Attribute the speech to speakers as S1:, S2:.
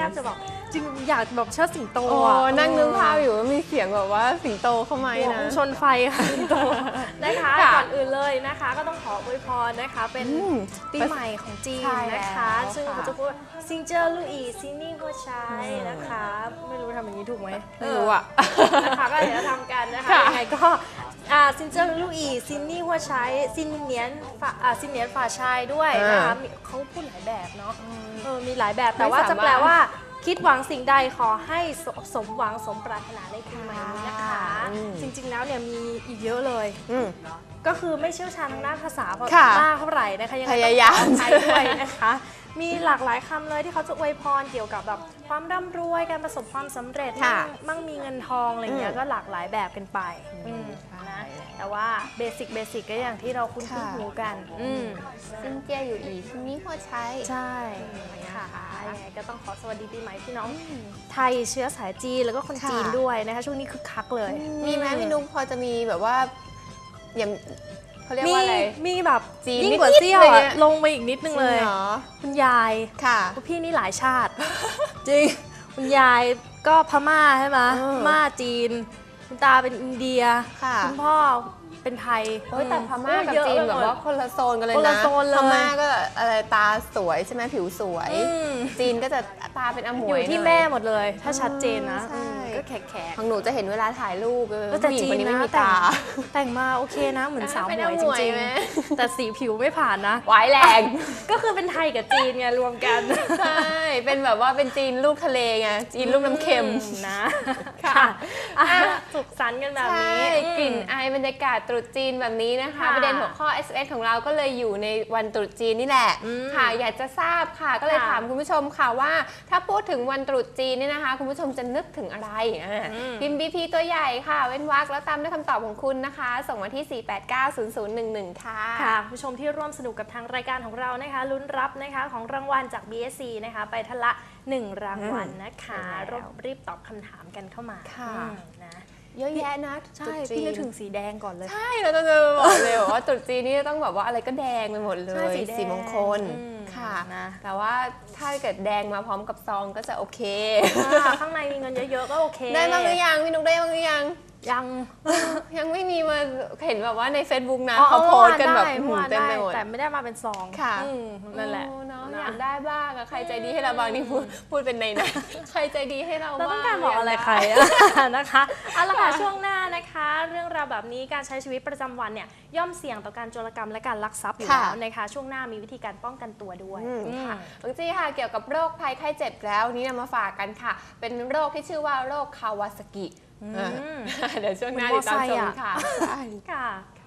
S1: บจะแบบจริงอยากแบบเชิดสิงโต
S2: นั่งนึกภาพอยู่ว่ามีเสียงแบบว่าสิงโตเข้ามานะ
S1: ชนไฟค่ะสิงโตนะคะก่อนอื่นเลยนะคะก็ต้องขออวยพรนะคะเป็นปีใหม่ของจีนนะคะซึ่งเขาจะพูดซิงเจอร์ลู่อีซินนี่หัวใช้นะคะไม่รู้ทำอย่างนี้ถูกไหม
S2: ไม่รู้อ่ะ
S1: นะคะก็เดี๋ยวทำกันนะคะยังไงก็ซินเจอร์ลู่อีซินนี่หัวใช้ซินเนียนฝ่าชายด้วยนะคะเขาพูดหลายแบบเนาะมีหลายแบบแต่ว่าจะแปลว่าคิดหวังสิ่งใดขอให้สมหวังสมปรารถนาในปีใหม่นี้นะคะจริงๆแล้วเนี่ยมีอีกเยอะเลยก็คือไม่เชี่ยวชาญทางด้านภาษามากเท่าไหร่นะคะยัง
S2: พยายาม
S1: ใช้ด้วยนะคะมีหลากหลายคำเลยที่เขาจะอวยพรเกี่ยวกับแบบความร่ำรวยการประสบความสำเร็จมั่งมีเงินทองอะไรเงี้ยก็หลากหลายแบบกันไปนะแต่ว่าเบสิกก็อย่างที่เราคุ้นหูกัน
S2: ซินเจียอยู่อีซินนี่หัวใช้
S1: ใช่ค่ะยังไงก็ต้องขอสวัสดีปีใหม่พี่น้องไทยเชื้อสายจีนแล้วก็คนจีนด้วยนะคะช่วงนี้คึกคักเลย
S2: มีไหมพี่นุ๊กพอจะมีแบบว่าอย่างเขาเรียกว่าอะไร
S1: มีแบบยิ่งกว่าเซี่ยวลงไปอีกนิดนึงเลยคุณยาย
S2: ค่ะ
S1: คุณพี่นี่หลายชาติจริงคุณยายก็พม่าใช่ไหมพม่าจีนคุณตาเป็นอินเดียคุณพ่อเป็นไทย
S2: แต่พม่ากับจีนแบบว่าคนละโซนกันเลยนะพม่าก็อะไรตาสวยใช่ไหมผิวสวยจีนก็จะตาเป็นอมวย
S1: อยู่ที่แม่หมดเลยถ้าชัดเจนนะก็แขก
S2: ของหนูจะเห็นเวลาถ่ายรูป
S1: แต่จีนไม่มีตาแต่งมาโอเคนะเหมือนสาวหมวยจริงๆแต่สีผิวไม่ผ่านนะ
S2: หวายแรง
S1: ก็คือเป็นไทยกับจีนไงรวมกัน
S2: ใช่เป็นแบบว่าเป็นจีนลูกทะเลไงจีนลูกน้ำเค็ม
S1: นะค่ะสุขสันต์กันแบบนี้
S2: กลิ่นอายบรรยากาศตรุษจีนแบบนี้นะคะประเด็นหัวข้อ SMS ของเราก็เลยอยู่ในวันตรุษจีนนี่แหละค่ะอยากจะทราบค่ะก็เลยถามคุณผู้ชมค่ะว่าถ้าพูดถึงวันตรุษจีนนี่นะคะคุณผู้ชมจะนึกถึงอะไรพิมพ์ BP ตัวใหญ่ค่ะเว้นวรรคแล้วตามด้วยคำตอบของคุณนะคะส่งมาที่ 4890011 ค่ะ
S1: ค่ะผู้ชมที่ร่วมสนุกกับทางรายการของเรานะคะลุ้นรับนะคะของรางวัลจาก BSC นะคะไปทละ1รางวัลนะคะรีบตอบคำถามกันเข้ามา
S2: ค่ะ
S1: นะ
S2: เยอะแยะนะ
S1: ใช่พี่นึกถึงสีแดงก่อนเลย
S2: ใช่เราจะบอกเลยว่าตรุษจีนนี่ต้องแบบว่าอะไรก็แดงไปหมดเลยสีมงคลค่ะนะแต่ว่าถ้าเกิดแดงมาพร้อมกับซองก็จะโอเค
S1: ข้างในมีเงินเยอะๆก็โอเค
S2: ได้บ้างหรือยังพี่นุ๊กได้บ้างหรือยัง
S1: ยัง
S2: ไม่มีมาเห็นแบบว่าใน Facebook นะเขาโพสกันแบบเต็มไปหมด
S1: แต่ไม่ได้มาเป็นซอง
S2: ค่ะ
S1: นั่นแหละ
S2: อยากได้บ้างใครใจดีให้เราบ้างนี่พูดเป็นในนะใครใจดีให้เราบ้าง
S1: เราต้องการบอกอะไรใครนะคะเอาละค่ะช่วงหน้านะคะเรื่องราวแบบนี้การใช้ชีวิตประจำวันเนี่ยย่อมเสี่ยงต่อการโจรกรรมและการลักทรัพย์อยู่แล้วนะคะช่วงหน้ามีวิธีการป้องกันตัวด้วย
S2: ค่ะบางทีค่ะเกี่ยวกับโรคภัยไข้เจ็บแล้วนี่นำมาฝากกันค่ะเป็นโรคที่ชื่อว่าโรคคาวาซากิเดี๋ยวช่วงหน้าติดตามชมค่ะ